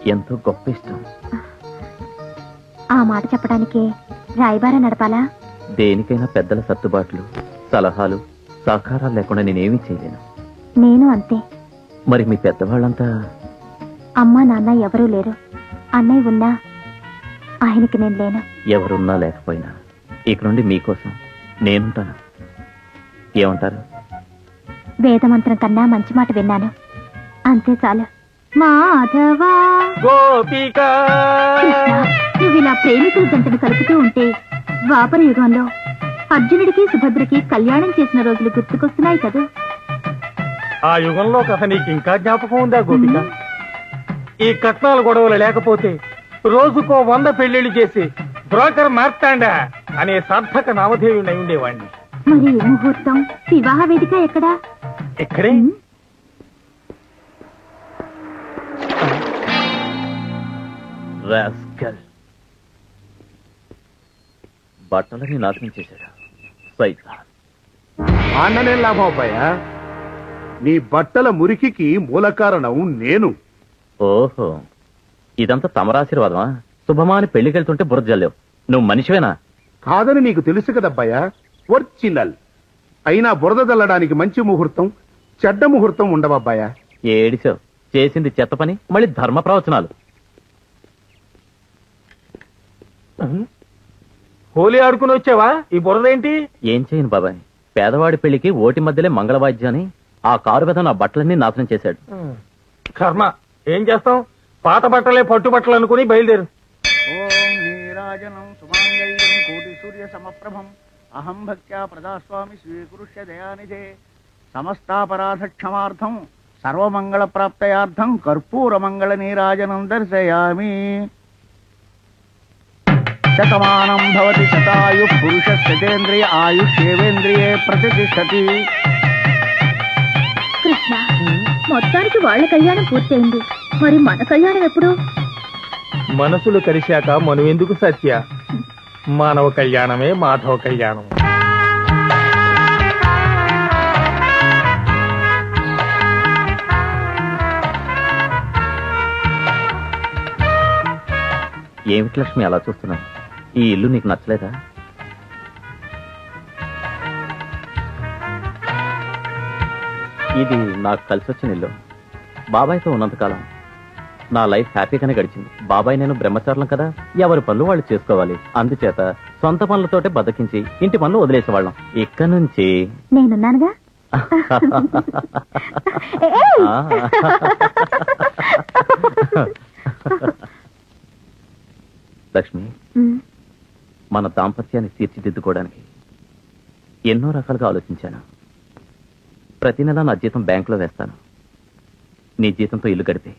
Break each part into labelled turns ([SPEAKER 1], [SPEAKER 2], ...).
[SPEAKER 1] ఎంతో గొప్ప ఇష్టం.
[SPEAKER 2] ఆ మాట చెప్పడానికి రాయబార నడపాలా?
[SPEAKER 1] దేనికైనా పెద్దల సర్దుబాట్లు, సలహాలు, సహకారాలు లేకుండా నేనేమీ చేయలేను.
[SPEAKER 2] నేను అంతే.
[SPEAKER 1] మరి మీ పెద్దవాళ్ళంతా?
[SPEAKER 2] అమ్మా నాన్న ఎవరూ లేరు. అన్నయ్య ఉన్నా ఆయనకి నేను లేను.
[SPEAKER 1] ఎవరున్నా లేకపోయినా ఇక నుండి మీకోసం నేనుంటాను. ఏమంటారు?
[SPEAKER 2] వేదమంత్రం కన్నా మంచి మాట విన్నాను, అంతే చాలు. మాధవా
[SPEAKER 1] గోపిక,
[SPEAKER 2] కృష్ణ, నువ్వు ఇలా ప్రేమికుల జంటను కలుపుతూ ఉంటే ద్వాపర యుగంలో అర్జునుడికి సుభద్రకి కళ్యాణం చేసిన రోజులు గుర్తుకొస్తున్నాయి కదా.
[SPEAKER 3] ఆ యుగంలో కథ నీకు ఇంకా జ్ఞాపకం ఉందా గోపిక? ఈ కట్నాల గొడవలు లేకపోతే రోజుకో 100 పెళ్లిళ్లు చేసి బ్రోకర్ మార్తాండా అనే సార్థక నామధేయుడై ఉండేవాణ్ణి.
[SPEAKER 2] మరి ఈ ముహూర్తం, వివాహ వేదిక ఎక్కడా?
[SPEAKER 3] ఇక్కడే.
[SPEAKER 1] రాస్కల్, బట్టలని నాశనం చేశాడు. సైతాన్.
[SPEAKER 4] అన్ననే లాభం అబ్బాయా, నీ బట్టల మురికికి మూల కారణం నేను.
[SPEAKER 1] ఓహో, ఇదంతా తమరాశీర్వాదమా? శుభమాని పెళ్లికెళ్తుంటే బుర్ర జల్లేవు. నువ్వు మనిషివేనా?
[SPEAKER 4] కాదని నీకు తెలుసు కదబ్బాయా, ఒరిజినల్. అయినా బురద చల్లడానికి మంచి ముహూర్తం, చెడ్డ ముహూర్తం ఉండవబ్బాయా.
[SPEAKER 1] ఏడిసావు. చేసింది చెత్త పని, మళ్ళీ ధర్మ ప్రవచనాలు.
[SPEAKER 3] హోలీ ఆడుకుని వచ్చావా? ఈ బురదేంటి?
[SPEAKER 1] ఏం చేయను బాబాయ్, పేదవాడి పెళ్లికి ఓటి మధ్యలే మంగళవాద్యాన్ని ఆ కారు మీద నా బట్టలన్నీ నాశనం చేశాడు.
[SPEAKER 3] కర్మ. ఏం చేస్తాం, పాత బట్టలే పట్టు బట్టలు అనుకుని బయలుదేరు.
[SPEAKER 5] ఓం నీరాజనం సుమాంగళ్యం కోటి సూర్య సమప్రభం అహం భక్త్యా ప్రజాస్వామి స్వీకృష్య దయానిధే సమస్తాపరాధ క్షమార్థం సర్వమంగళ ప్రాప్తయార్థం కర్పూర మంగళ నీరాజనం దర్శయామి. శతమానం భవతి శతాయు పురుష శతేంద్రియ ఆయుష్యేవేంద్రియే ప్రతిష్టతి.
[SPEAKER 2] కృష్ణ, మొత్తానికి వాళ్ళ కళ్యాణం పూర్తయింది, మరి మన కళ్యాణం ఎప్పుడు?
[SPEAKER 3] మనసులు కలిశాక మనం ఎందుకు సత్య? మానవ కళ్యాణమే మాధవ కళ్యాణం.
[SPEAKER 1] ఏమిటి లక్ష్మి అలా చూస్తున్నావు? ఈ ఇల్లు నీకు నచ్చలేదా? ఇది నాకు కలిసి వచ్చిన ఇల్లు. బాబాయ్తో ఉన్నంతకాలం నా లైఫ్ హ్యాపీగానే గడిచింది. బాబాయ్ నేను బ్రహ్మచారులం కదా, ఎవరి పనులు వాళ్ళు చేసుకోవాలి. అందుచేత సొంత పనులతోటే బతికించి ఇంటి పనులు వదిలేసేవాళ్ళం. ఇక్కడ నుంచి
[SPEAKER 2] నేనున్నానుగా.
[SPEAKER 1] లక్ష్మి, మన దాంపత్యాన్ని తీర్చిదిద్దుకోవడానికి ఎన్నో రకాలుగా ఆలోచించాను. ప్రతి నెల నా జీతం బ్యాంకులో వేస్తాను. నీ జీతంతో ఇల్లు గడిపే.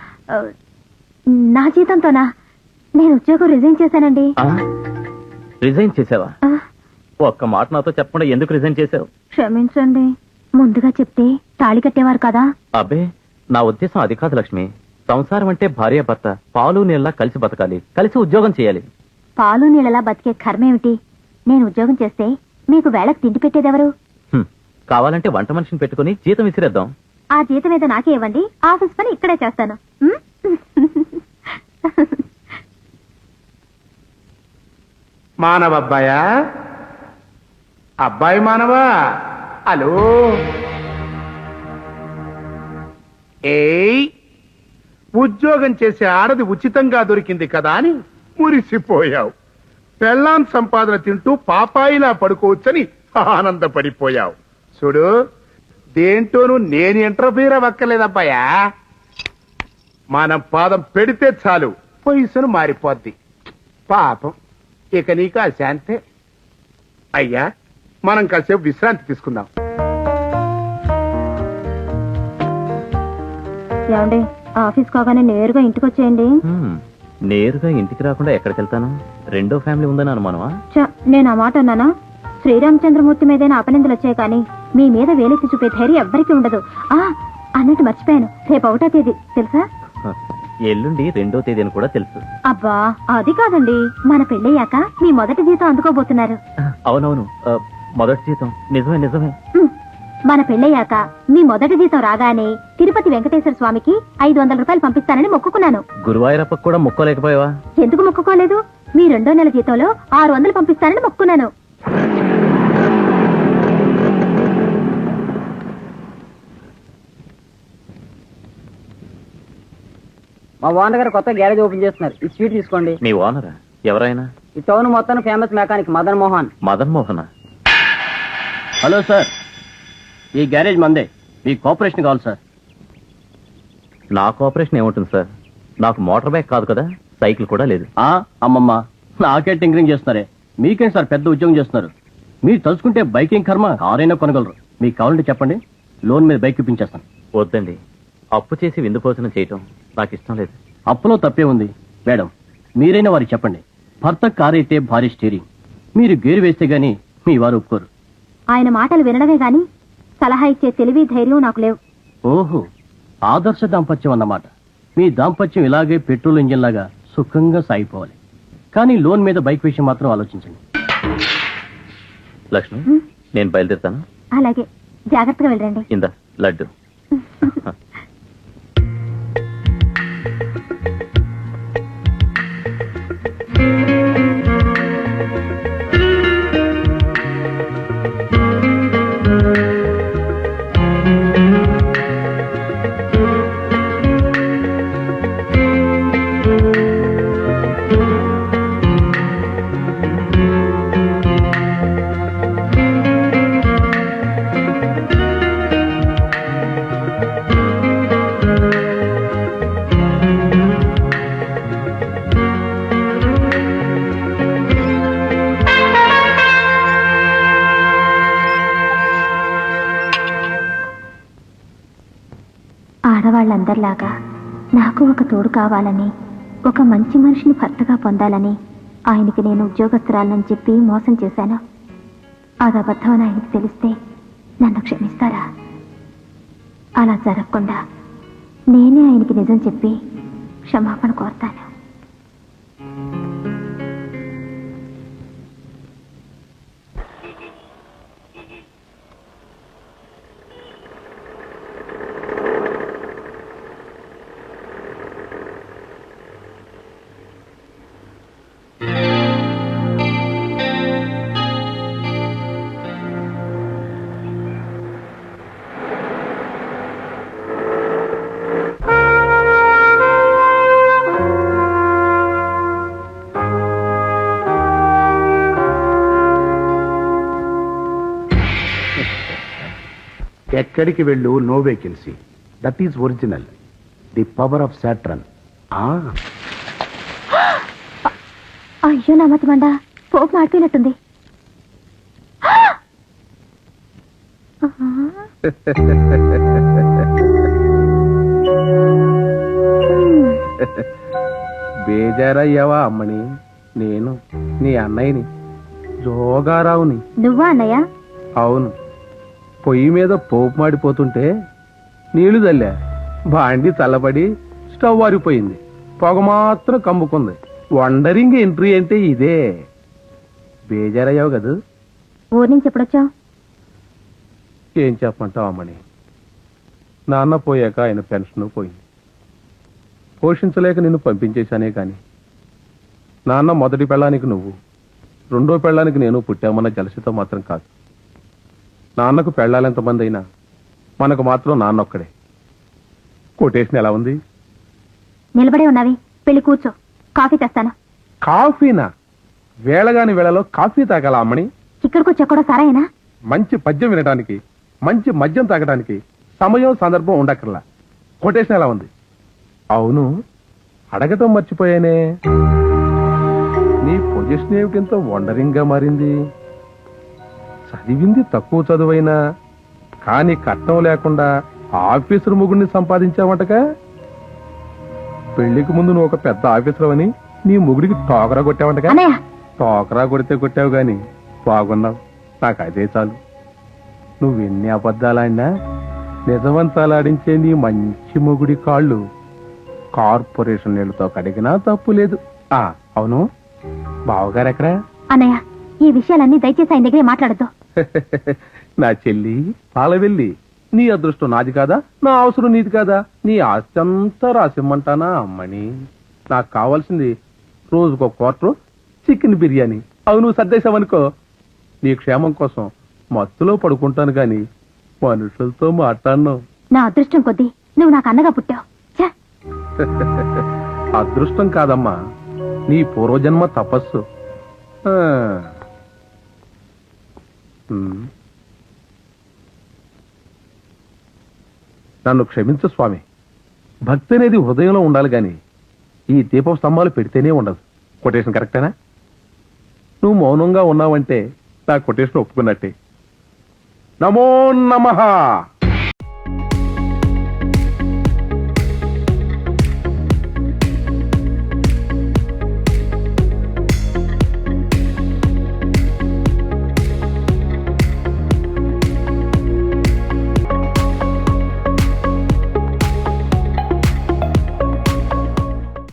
[SPEAKER 2] నా జీతంతోనా? నేను ఉద్యోగం రిజైన్ చేశానండి.
[SPEAKER 1] రిజైన్ చేసావా? ఒక్క మాట నాతో చెప్పకుండా ఎందుకు రిజైన్ చేసావు?
[SPEAKER 2] క్షమించండి, ముందుగా చెప్తే తాళి కట్టేవారు కదా.
[SPEAKER 1] అబ్బే, నా ఉద్దేశం అది కాదు లక్ష్మి. సంసారం అంటే భార్య భర్త పాలు నీళ్ళలా కలిసి బతకాలి, కలిసి ఉద్యోగం చేయాలి.
[SPEAKER 2] పాలు నీళ్ళలా బతికే కర్మేమిటి? నేను ఉద్యోగం చేస్తే మీకు వేళకు తిండి పెట్టేదెవరు?
[SPEAKER 1] కావాలంటే వంట మనిషిని పెట్టుకుని జీతం విసిరేద్దాం.
[SPEAKER 2] ఆ జీతం మీద నాకే ఇవ్వండి, ఆఫీస్ పని ఇక్కడే చేస్తాను.
[SPEAKER 4] మానవ అబ్బాయా, అబ్బాయి మానవా, హలో. ఏయ్, ఉద్యోగం చేసే ఆడది ఉచితంగా దొరికింది కదా అని మురిసిపోయావు. పెళ్ళాం సంపాదన తింటూ పాపాయిలా పడుకోవచ్చని ఆనందపడిపోయావు. చూడు, దేంటోనూ నేను ఇంటర్ఫీర్ అవ్వక్కర్లేదబ్బాయా. మనం పాదం పెడితే చాలు పొజిషన్ మారిపోద్ది. పాపం, ఇక నీకు ఆ శాంతే. అయ్యా, మనం కాసేపు విశ్రాంతి తీసుకుందాం.
[SPEAKER 2] ఏమండి, ఆఫీస్ కాగానే నేరుగా ఇంటికి వచ్చేయండి.
[SPEAKER 1] నేరుగా ఇంటికి రాకుండా ఎక్కడికి వెళ్తాను? రెండో ఫ్యామిలీ ఉందని అనుమానమా?
[SPEAKER 2] నేను ఆ మాట అన్నానా? శ్రీరామచంద్రమూర్తి మీదైనా అపనిందలు వచ్చాయి కానీ మీ మీద వేలెత్తి చూపే ధైర్యం ఎవ్వరికీ ఉండదు. అన్నట్టు మర్చిపోయాను, రేపు 1వ తేదీ తెలుసా?
[SPEAKER 1] ఎల్లుండి 2వ తేదీ అని కూడా తెలుసు.
[SPEAKER 2] అబ్బా, అది కాదండి, మన పెళ్ళయ్యాక మీ మొదటి జీతం అందుకోబోతున్నారు.
[SPEAKER 1] అవునవును, మొదటి జీతం. నిజమే నిజమే.
[SPEAKER 2] మన పెళ్ళయ్యాక మీ మొదటి జీతం రాగానే తిరుపతి తిరుపతి వెంకటేశ్వర స్వామికి 500 రూపాయలు పంపిస్తానని మొక్కుకున్నాను.
[SPEAKER 1] గురువాయూరప్పకు కూడా మొక్కోలేకపోయావా?
[SPEAKER 2] ఎందుకు మొక్కుకోలేదు? మీ 2వ నెల జీతంలో 600 పంపిస్తానని మొక్కుకున్నాను.
[SPEAKER 6] మా ఓనర్ గారు కొత్త గ్యారేజ్ ఓపెన్ చేస్తున్నారు. ఈ స్వీట్ తీసుకోండి.
[SPEAKER 1] మీ ఓనరా? ఎవరైనా?
[SPEAKER 6] ఈ టౌన్ మొత్తం ఫేమస్ మెకానిక్ మదన్ మోహన్.
[SPEAKER 1] మదన్ మోహన?
[SPEAKER 5] హలో సార్, ఈ గ్యారేజ్ మందే. మీ కోఆపరేషన్ కావాలి సార్.
[SPEAKER 1] నా కోఆపరేషన్ ఏముంటుంది సార్? నాకు మోటార్ బైక్ కాదు కదా, సైకిల్ కూడా లేదు.
[SPEAKER 5] అమ్మమ్మ, నాకే టింకరింగ్ చేస్తున్నారే. మీకేంటి సార్ పెద్ద ఉద్యోగం చేస్తున్నారు? మీరు తలుచుకుంటే బైకింగ్ కర్మ కారైనా కొనగలరు. మీకు కావాలంటే చెప్పండి, లోన్ మీద బైక్ ఇప్పించేస్తాను.
[SPEAKER 1] వద్దండి, అప్పు చేసి విందు భోజనం చేయటం నాకు ఇష్టం లేదు.
[SPEAKER 5] అప్పులో తప్పే ఉంది మేడం. మీరైనా వారికి చెప్పండి, భర్త కారైతే భారీ స్టీరింగ్. మీరు గేరు వేస్తే గానీ మీ వారు ఒప్పుకోరు.
[SPEAKER 2] ఆయన మాటలు వినడమే గాని సలహా ఇచ్చే తెలివి ధైర్యం నాకు లేవు.
[SPEAKER 5] ఓహో, ఆదర్శ దాంపత్యం అన్నమాట. మీ దాంపత్యం ఇలాగే పెట్రోల్ ఇంజిన్ లాగా సుఖంగా సాగిపోవాలి. కానీ లోన్ మీద బైక్ విషయం మాత్రం ఆలోచించండి.
[SPEAKER 1] లక్ష్మి, నేను బయలుదేరుతాను.
[SPEAKER 2] అలాగే, జాగ్రత్తగా వెళ్ళండి.
[SPEAKER 1] ఇందా లడ్డు.
[SPEAKER 2] ఆడవాళ్ళందరిలాగా నాకు ఒక తోడు కావాలని, ఒక మంచి మనిషిని భర్తగా పొందాలని ఆయనకి నేను ఉద్యోగస్తురాలని చెప్పి మోసం చేశాను. అది అబద్ధమని ఆయనకి తెలిస్తే నన్ను క్షమిస్తారా? అలా జరగకుండా నేనే ఆయనకి నిజం చెప్పి క్షమాపణ కోరుతాను.
[SPEAKER 4] ఎక్కడికి వెళ్ళు, no vacancy. That is original. The power of Saturn.
[SPEAKER 2] అయ్యో నా మతి మండ, పోపు మాడిపోయినట్టుంది.
[SPEAKER 4] బేజారయ్యావా అమ్మని? నేను నీ అన్నయ్యని, జోగారావుని.
[SPEAKER 2] నువ్వా అన్నయ్య?
[SPEAKER 4] అవును. పొయ్యి మీద పోపు మాడిపోతుంటే నీళ్లు చల్లా, బాండి చల్లబడి స్టవ్ వారిపోయింది, పొగ మాత్రం కమ్ముకుంది. వండరింగ్ ఎంట్రీ అంటే ఇదే. బేజారయ్యావు కదా?
[SPEAKER 2] ఊరి నుంచి ఎప్పుడొచ్చావు?
[SPEAKER 4] ఏం చెప్పమంటావు అమ్మని, నాన్న పోయాక ఆయన పెన్షన్ పోయింది. పోషించలేక నిన్ను పంపించేశానే కాని నాన్న మొదటి పెళ్ళానికి నువ్వు, రెండో పెళ్ళానికి నేను పుట్టామన్న జలసితో మాత్రం కాదు. నాన్నకు పెళ్ళాలెంతమంది అయినా మనకు మాత్రం నాన్న ఒక్కడే. కొటేషన్ ఎలా ఉంది?
[SPEAKER 2] నిలబడే ఉన్నావి, పెళ్లి కూర్చో, కాఫీ తెస్తాను.
[SPEAKER 4] కాఫీనా? వేళగాని వేళలో కాఫీ తాగాల అమ్మని?
[SPEAKER 2] ఇక్కడికి వచ్చా సరేనా?
[SPEAKER 4] మంచి పద్యం వినడానికి, మంచి మద్యం తాగడానికి సమయం సందర్భం ఉండక్కర్లా. కొటేషన్ ఎలా ఉంది? అవును, అడగటం మర్చిపోయానే, నీ పొజిషన్ ఏమిటింత వండరింగ్ గా మారింది? చదివింది తక్కువ చదువైనా కానీ కట్నం లేకుండా ఆఫీసర్ ముగ్గురిని సంపాదించావంటగా. పెళ్లికి ముందు నువ్వు ఒక పెద్ద ఆఫీసర్ అని నీ ముగుడికి టోకరా కొట్టావంటగా. టోకరా కొడితే కొట్టావు గాని బాగున్నావు, నాకు అదే చాలు. నువ్వెన్ని అబద్ధాలాడినా నిజవంతాలాడించే నీ మంచి మొగుడి కాళ్ళు కార్పొరేషన్ నీళ్లతో కడిగినా తప్పు లేదు. అవును, బావగారు ఎక్కడా?
[SPEAKER 2] అన్నయ్య, ఈ విషయాలన్నీ దయచేసి ఆయన దగ్గరే మాట్లాడద్దు.
[SPEAKER 4] నా చెల్లి పాలవెల్లి, నీ అదృష్టం నాది కాదా, నా అవసరం నీది కాదా? నీ ఆస్తి అంతా రాసిమ్మంటానా అమ్మని? నాకు కావాల్సింది రోజుకో క్వార్టర్ చికెన్ బిర్యానీ. అవి నువ్వు సర్దేశావనుకో, నీ క్షేమం కోసం మత్తులో పడుకుంటాను గాని మనుషులతో మాట్లాడను.
[SPEAKER 2] నా అదృష్టం కొద్దీ నువ్వు నాకు అన్నగా పుట్టావు. ఛే!
[SPEAKER 4] అదృష్టం కాదమ్మా, నీ పూర్వజన్మ తపస్సు. ఆ. ఉమ్. నన్ను క్షమించు స్వామి. భక్తి అనేది హృదయంలో ఉండాలి గాని ఈ దీపం స్తంభాలు పెడితేనే ఉండదు. కొటేషన్ కరెక్టేనా? నువ్వు మౌనంగా ఉన్నావంటే నా కొటేషన్ ఒప్పుకున్నట్టే. నమో నమః.